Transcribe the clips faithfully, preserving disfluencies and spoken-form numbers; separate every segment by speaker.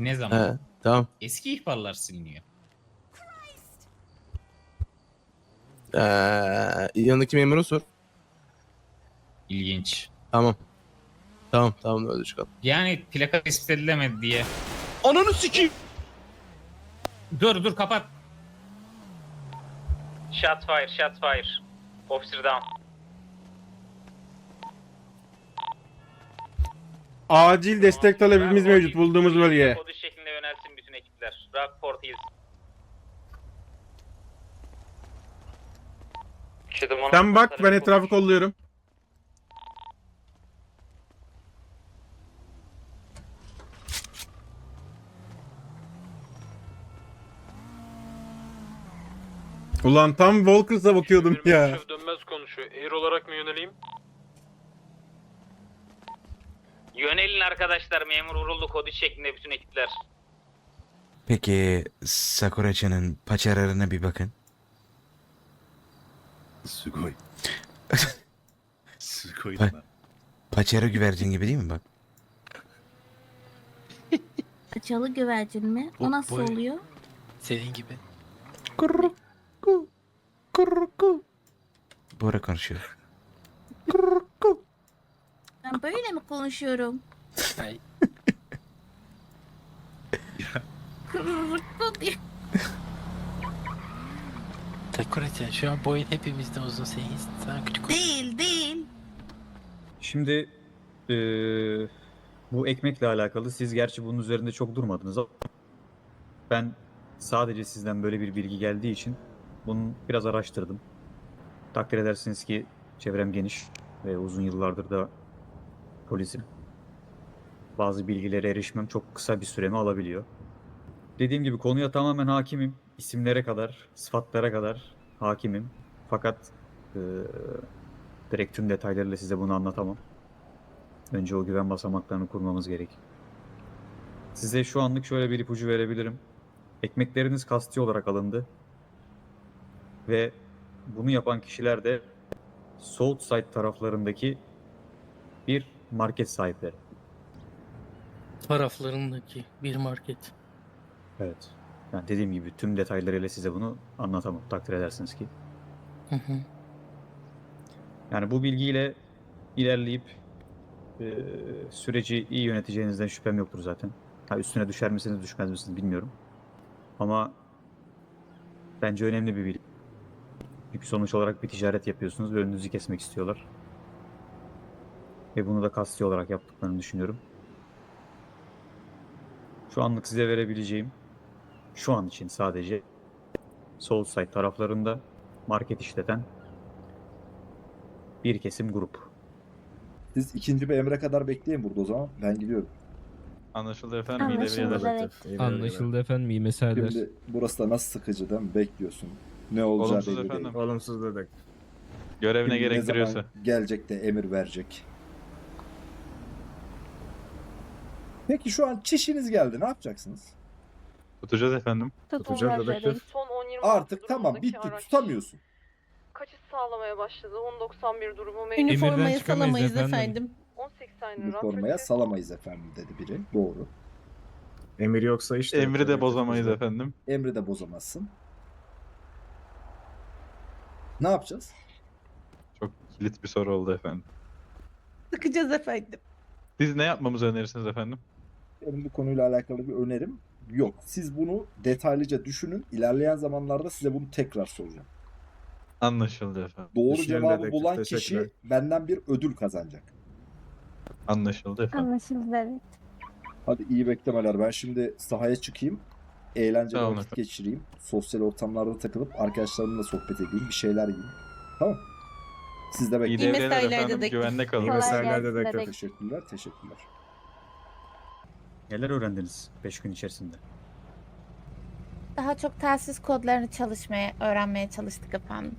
Speaker 1: Ne zaman?
Speaker 2: He, tamam.
Speaker 1: Eski ihbarlar siliniyor.
Speaker 2: Ee, yanındaki memuru sor.
Speaker 1: İlginç.
Speaker 2: Tamam. Tamam tamam öyle çıkalım.
Speaker 1: Yani plaka tespit edilemedi diye.
Speaker 2: Ananı sikeyim.
Speaker 1: Dur dur kapat.
Speaker 3: Shot fire, shot fire. Officer down.
Speaker 4: Acil destek talebimiz mevcut bulduğumuz bölgeye.
Speaker 3: Kodu şeklinde yönelsin bütün ekipler. Rockport Hills.
Speaker 4: Sen bak, ben etrafı kolluyorum. Ulan tam Walkers'a bakıyordum ya.
Speaker 5: Dönmez konuşuyor. Air olarak mı yöneleyim?
Speaker 3: Yönelin arkadaşlar, memur vuruldu kodu şeklinde bütün ekipler.
Speaker 6: Peki Sakuracı'nın paçalarına bir bakın.
Speaker 7: Sugoi. Sugoi
Speaker 6: Pa-
Speaker 7: da.
Speaker 6: Paçara güvercin gibi değil mi bak?
Speaker 8: Paçalı güvercin mi? O nasıl
Speaker 5: boy-
Speaker 8: oluyor?
Speaker 5: Senin gibi.
Speaker 6: Kurruku. Kurruku. Bora konuşuyor. Kurruku.
Speaker 8: Ben böyle mi konuşuyorum?
Speaker 5: Ay.
Speaker 8: Kırırıklı diye.
Speaker 5: Sakuracan şu an boyun hepimizden uzun, sen sana küçük.
Speaker 8: Değil değil.
Speaker 9: Şimdi eee, bu ekmekle alakalı siz gerçi bunun üzerinde çok durmadınız ama ben sadece sizden böyle bir bilgi geldiği için bunu biraz araştırdım. Takdir edersiniz ki çevrem geniş ve uzun yıllardır da polisim. Bazı bilgilere erişmem çok kısa bir süremi alabiliyor. Dediğim gibi konuya tamamen hakimim. İsimlere kadar, sıfatlara kadar hakimim. Fakat eee direkt tüm detaylarıyla size bunu anlatamam. Önce o güven basamaklarını kurmamız gerek. Size şu anlık şöyle bir ipucu verebilirim. Ekmekleriniz kasti olarak alındı. Ve bunu yapan kişiler de Southside taraflarındaki bir market sahipleri.
Speaker 5: Taraflarındaki bir market.
Speaker 9: Evet. Yani dediğim gibi tüm detaylarıyla size bunu anlatamam. Takdir edersiniz ki.
Speaker 5: Hı hı.
Speaker 9: Yani bu bilgiyle ilerleyip e, süreci iyi yöneteceğinizden şüphem yoktur zaten. Ha, üstüne düşer misiniz düşmez misiniz bilmiyorum. Ama bence önemli bir bilgi. Çünkü sonuç olarak bir ticaret yapıyorsunuz ve önünüzü kesmek istiyorlar. Ve bunu da kasti olarak yaptıklarını düşünüyorum. Şu anlık size verebileceğim, şu an için sadece Soulside taraflarında market işleten bir kesim grup.
Speaker 7: Siz ikinci bir emre kadar bekleyin burada o zaman. Ben gidiyorum.
Speaker 10: Anlaşıldı efendim. iyi
Speaker 8: Anlaşıldı
Speaker 10: devreler.
Speaker 8: evet.
Speaker 11: Anlaşıldı efendim, iyi meseleler.
Speaker 7: Şimdi burası da nasıl sıkıcı değil mi? Bekliyorsun. Ne olacağı
Speaker 10: Olumsuz
Speaker 7: belli
Speaker 10: efendim.
Speaker 7: değil.
Speaker 4: Olumsuz dedik.
Speaker 10: Görev ne
Speaker 7: Kim ne
Speaker 10: gerektiriyorsa.
Speaker 7: zaman gelecek de emir verecek. Peki şu an çişiniz geldi. Ne yapacaksınız?
Speaker 10: Tutacağız efendim.
Speaker 4: Tutacağız dedektif.
Speaker 12: Son on yirmi
Speaker 7: Artık
Speaker 12: altı
Speaker 7: tamam
Speaker 12: durumundaki
Speaker 7: bitti.
Speaker 12: araç
Speaker 7: Tutamıyorsun.
Speaker 12: Kaçış sağlamaya başladı. on doksan bir durumu mevcut.
Speaker 11: Emirden
Speaker 8: Üniformayı
Speaker 11: çıkamayız
Speaker 8: salamayız
Speaker 11: efendim.
Speaker 8: efendim.
Speaker 12: on seksen lira.
Speaker 7: Üniformaya salamayız efendim dedi biri. Doğru.
Speaker 4: Emir yoksa işte.
Speaker 10: Emri de bozamayız efendim.
Speaker 7: Emri de bozamazsın. Ne yapacağız?
Speaker 10: Çok kilit bir soru oldu efendim.
Speaker 8: Sıkacağız efendim.
Speaker 10: Siz ne yapmamızı önerirsiniz efendim?
Speaker 7: Benim bu konuyla alakalı bir önerim yok. Siz bunu detaylıca düşünün. İlerleyen zamanlarda size bunu tekrar soracağım.
Speaker 10: Anlaşıldı efendim.
Speaker 7: Doğru
Speaker 4: Düşünelim
Speaker 7: cevabı
Speaker 4: dedektif,
Speaker 7: bulan
Speaker 4: teşekkürler.
Speaker 7: kişi benden bir ödül kazanacak.
Speaker 10: Anlaşıldı efendim.
Speaker 8: Anlaşıldı evet.
Speaker 7: Hadi iyi beklemeler. Ben şimdi sahaya çıkayım. Eğlenceli
Speaker 10: Tamam
Speaker 7: vakit
Speaker 10: efendim.
Speaker 7: geçireyim. Sosyal ortamlarda takılıp arkadaşlarımla sohbet edeyim. Bir şeyler yiyeyim. Tamam. Siz de
Speaker 10: İyi
Speaker 7: bekleyin.
Speaker 10: devreler
Speaker 8: mesailer
Speaker 10: efendim.
Speaker 8: dedektif.
Speaker 10: Güvende kalın.
Speaker 4: İyi
Speaker 8: Kolay
Speaker 4: meseleler
Speaker 8: gelsin
Speaker 4: dedektif.
Speaker 8: dedektif.
Speaker 7: Teşekkürler. Teşekkürler.
Speaker 9: Neler öğrendiniz beş gün içerisinde?
Speaker 8: Daha çok telsiz kodlarını çalışmaya, öğrenmeye çalıştık efendim.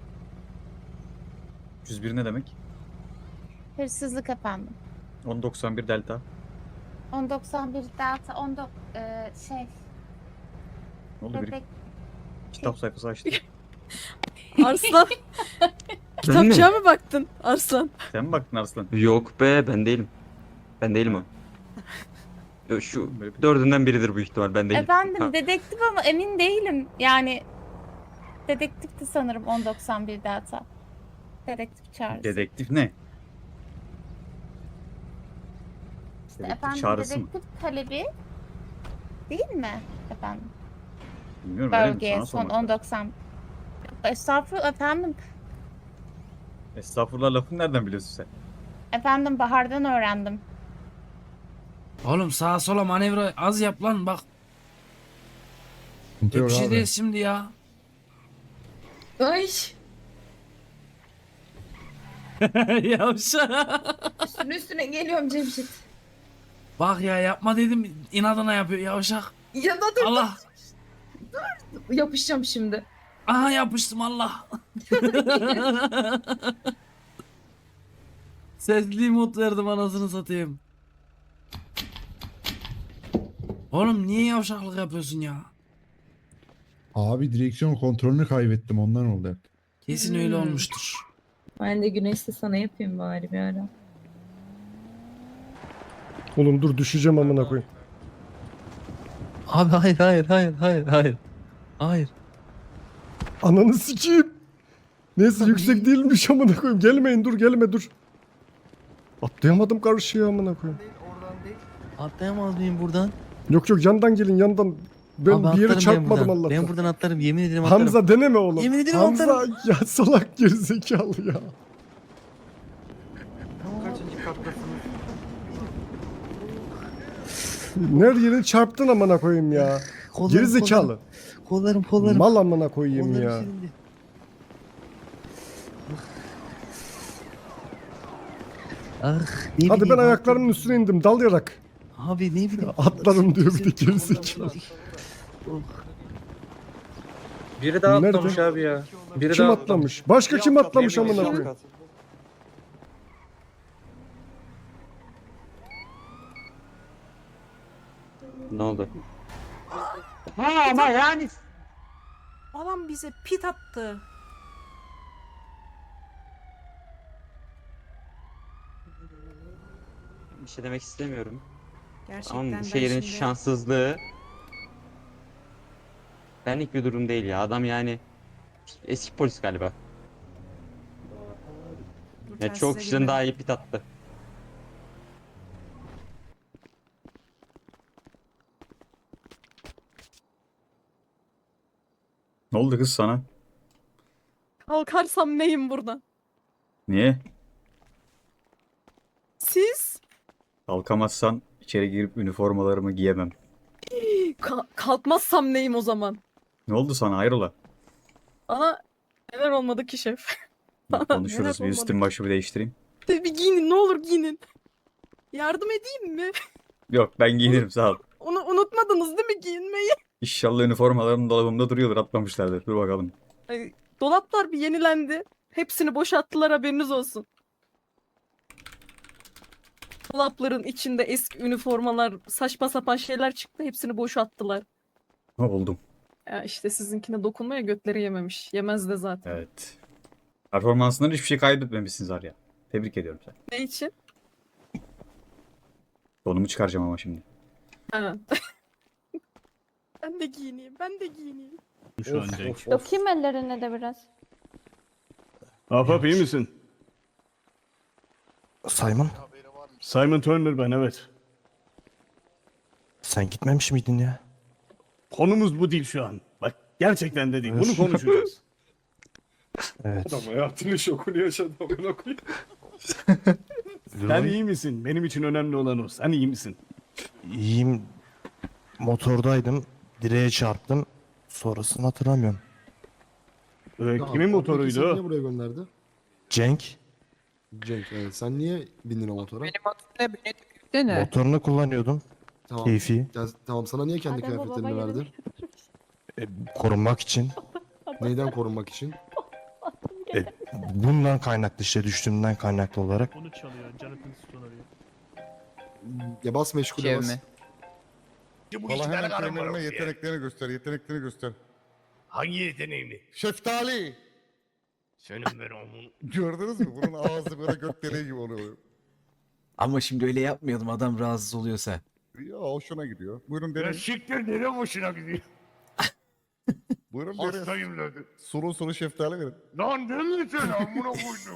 Speaker 9: yüz bir ne demek?
Speaker 8: Hırsızlık efendim.
Speaker 9: on doksan bir delta.
Speaker 8: on doksan bir delta on dok e, şey
Speaker 9: Ne oldu? Bir
Speaker 8: bebek
Speaker 9: kitap sayfası açtı.
Speaker 12: Arslan. Kitapçığa mı baktın Arslan?
Speaker 9: Sen mi baktın Arslan?
Speaker 2: Yok be, ben değilim. Ben değilim o.
Speaker 9: Şu dördünden biridir bu ihtimal. Ben
Speaker 8: Efendim dedektif ama emin değilim. Yani dedektifti sanırım on doksan birde hata. Dedektif çağrısı.
Speaker 9: Dedektif ne?
Speaker 8: İşte efendim dedektif talebi değil mi efendim?
Speaker 9: Bilmiyorum.
Speaker 8: Bölgeye son on doksan. Estağfurullah efendim.
Speaker 9: Estağfurullah lafını nereden biliyorsun sen?
Speaker 8: Efendim Bahar'dan öğrendim.
Speaker 5: Oğlum sağa sola manevra az yap lan bak. Bir şey değil şimdi ya.
Speaker 12: Ay.
Speaker 5: Yavşa.
Speaker 12: Üstüne üstüne geliyorum Cemşit.
Speaker 5: Bak ya yapma dedim inadına yapıyor yavşak.
Speaker 12: Ya da dur.
Speaker 5: Allah.
Speaker 12: Yapışacağım şimdi.
Speaker 5: Aha yapıştım Allah. Sesli mod verdim anasını satayım. Oğlum niye yavşaklık yapıyorsun ya?
Speaker 11: Abi direksiyon kontrolünü kaybettim ondan oldu hep.
Speaker 5: Kesin öyle olmuştur.
Speaker 12: Ben de güneşte sana yapayım bari bir ara.
Speaker 11: Oğlum dur düşeceğim amına koyayım.
Speaker 2: Abi hayır hayır hayır hayır hayır. Hayır.
Speaker 11: Ananı sikeyim. Neyse yüksek değilmiş amına koyayım. Gelmeyin dur gelme dur. Atlayamadım karşıya amına koyayım.
Speaker 2: Atlayamaz mıyım buradan?
Speaker 11: Yok yok yandan gelin yandan. Ben
Speaker 2: Abi
Speaker 11: bir yere
Speaker 2: atlarım
Speaker 11: çarpmadım
Speaker 2: ben buradan.
Speaker 11: Allah'tan.
Speaker 2: Ben buradan atlarım yemin ederim atlarım.
Speaker 11: Hamza deneme oğlum.
Speaker 2: Yemin ederim
Speaker 11: Hamza
Speaker 2: atlarım.
Speaker 11: ya salak gerizekalı ya. Her yere çarptın amına koyayım ya.
Speaker 2: Kollarım,
Speaker 11: Gerizekalı.
Speaker 2: Kollarım kollarım.
Speaker 11: Mal amına koyayım
Speaker 2: Kollarım
Speaker 11: ya.
Speaker 2: silindi. Ah, ne
Speaker 11: Hadi ben
Speaker 2: bileyim
Speaker 11: ayaklarımın
Speaker 2: abi.
Speaker 11: üstüne indim dalayarak.
Speaker 2: Abi ne bileyim.
Speaker 11: Atlarım diyor bir de gerizekalı.
Speaker 9: Biri daha
Speaker 11: Nerede?
Speaker 9: atlamış abi ya. Biri
Speaker 11: Kim
Speaker 9: daha
Speaker 11: atlamış? Başka kim atlamış
Speaker 9: Yemin
Speaker 11: amına
Speaker 9: ediyorum.
Speaker 11: koyayım?
Speaker 9: Ne oldu?
Speaker 5: Ha ama yani.
Speaker 12: Adam bize pit attı.
Speaker 9: Bir şey demek istemiyorum.
Speaker 12: Gerçekten
Speaker 9: Ama bu
Speaker 12: ben
Speaker 9: şehrin
Speaker 12: şimdi-
Speaker 9: şanssızlığı benlik bir durum değil ya. Adam yani eski polis galiba.
Speaker 12: Dur,
Speaker 9: Ya
Speaker 12: telsize
Speaker 9: çok kişiden
Speaker 12: girmedim.
Speaker 9: daha iyi pit attı. Ne oldu kız sana?
Speaker 12: Kalkarsam neyim buradan?
Speaker 9: Niye?
Speaker 12: Siz?
Speaker 9: Kalkamazsan içeri girip üniformalarımı giyemem.
Speaker 12: Ka- kalkmazsam neyim o zaman?
Speaker 9: Ne oldu sana hayrola?
Speaker 12: Bana neler olmadı ki şef? Bana
Speaker 9: Konuşuruz
Speaker 12: neler
Speaker 9: bir
Speaker 12: olmadı
Speaker 9: üstüm başımı değiştireyim.
Speaker 12: ki? Bir giyinin ne olur giyinin. Yardım edeyim mi?
Speaker 9: Yok ben giyinirim sağ ol.
Speaker 12: Onu unutmadınız değil mi giyinmeyi?
Speaker 9: İnşallah üniformalarım dolabımda duruyordur atmamışlardır. Dur bakalım.
Speaker 12: Ay, dolaplar bir yenilendi. Hepsini boşalttılar haberiniz olsun. Dolapların içinde eski üniformalar, saçma sapan şeyler çıktı. Hepsini boşalttılar.
Speaker 9: Ha buldum.
Speaker 12: Ya işte sizinkine dokunmaya götleri yememiş. Yemez de zaten.
Speaker 9: Evet. Performansından hiçbir şey kaybetmemişsiniz Arya. Tebrik ediyorum sen.
Speaker 12: Ne için?
Speaker 9: Donumu çıkaracağım ama şimdi.
Speaker 12: Ha. Ben de giyineyim, ben de giyineyim.
Speaker 11: Şu an Cenk.
Speaker 12: Dokuyayım ellerine de biraz.
Speaker 11: Ahbap iyi misin?
Speaker 2: Simon
Speaker 11: Simon Turner ben evet.
Speaker 2: sen gitmemiş miydin ya?
Speaker 11: Konumuz bu değil şu an. Bak gerçekten de değil. Bunu konuşacağız.
Speaker 2: Evet.
Speaker 11: Adam hayatının şokunu yaşadı amına koyayım. Sen iyi misin? Benim için önemli olan o. Sen iyi misin?
Speaker 2: İyiyim. Motordaydım. Direğe çarptım. Sonrasını hatırlamıyorum.
Speaker 11: Ee, kimin motoruydu o?
Speaker 7: buraya gönderdi?
Speaker 2: Cenk
Speaker 7: Cenk evet. Sen niye bindin o motora?
Speaker 2: motorunu kullanıyordum.
Speaker 7: Tamam.
Speaker 2: Keyfi.
Speaker 7: Tamam sana niye kendi
Speaker 8: Adem babama
Speaker 7: kıyafetlerini verdi?
Speaker 2: E, korunmak için.
Speaker 7: Neyden korunmak için?
Speaker 2: E, bundan kaynaklı işte düştüğümden kaynaklı olarak.
Speaker 11: Onu çalıyor. Jonathan Stone arıyor.
Speaker 7: Ya bas meşgule bas.
Speaker 11: Valla hemen
Speaker 10: kendine yeteneklerini göster, yeteneklerini göster.
Speaker 11: Hangi yeteneğini?
Speaker 10: Şeftali!
Speaker 11: Senin ben onun.
Speaker 10: Gördünüz mü? Bunun ağzı böyle göt deliği gibi oluyor.
Speaker 5: Ama şimdi öyle yapmayalım adam rahatsız oluyorsa.
Speaker 10: Ya hoşuna gidiyor. Buyurun deneyin.
Speaker 11: siktir nereye hoşuna gidiyor?
Speaker 10: Buyurun deneyin.
Speaker 11: Hastayım dedi.
Speaker 10: Sulu sulu şeftali verin.
Speaker 11: Lan deli sen amına koydum.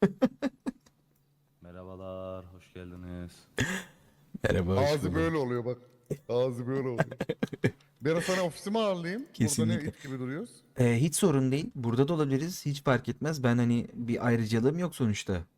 Speaker 2: Merhabalar, hoş geldiniz.
Speaker 6: Merhaba. hoş
Speaker 10: Ağzı
Speaker 6: bulduk.
Speaker 10: böyle oluyor bak. Ağzı böyle oluyor. Ben sana ofisime ağırlayayım. Burada
Speaker 6: Kesinlikle.
Speaker 10: ne it gibi duruyoruz.
Speaker 6: Ee, hiç sorun değil. Burada da olabiliriz. Hiç fark etmez. Ben hani bir ayrıcalığım yok sonuçta.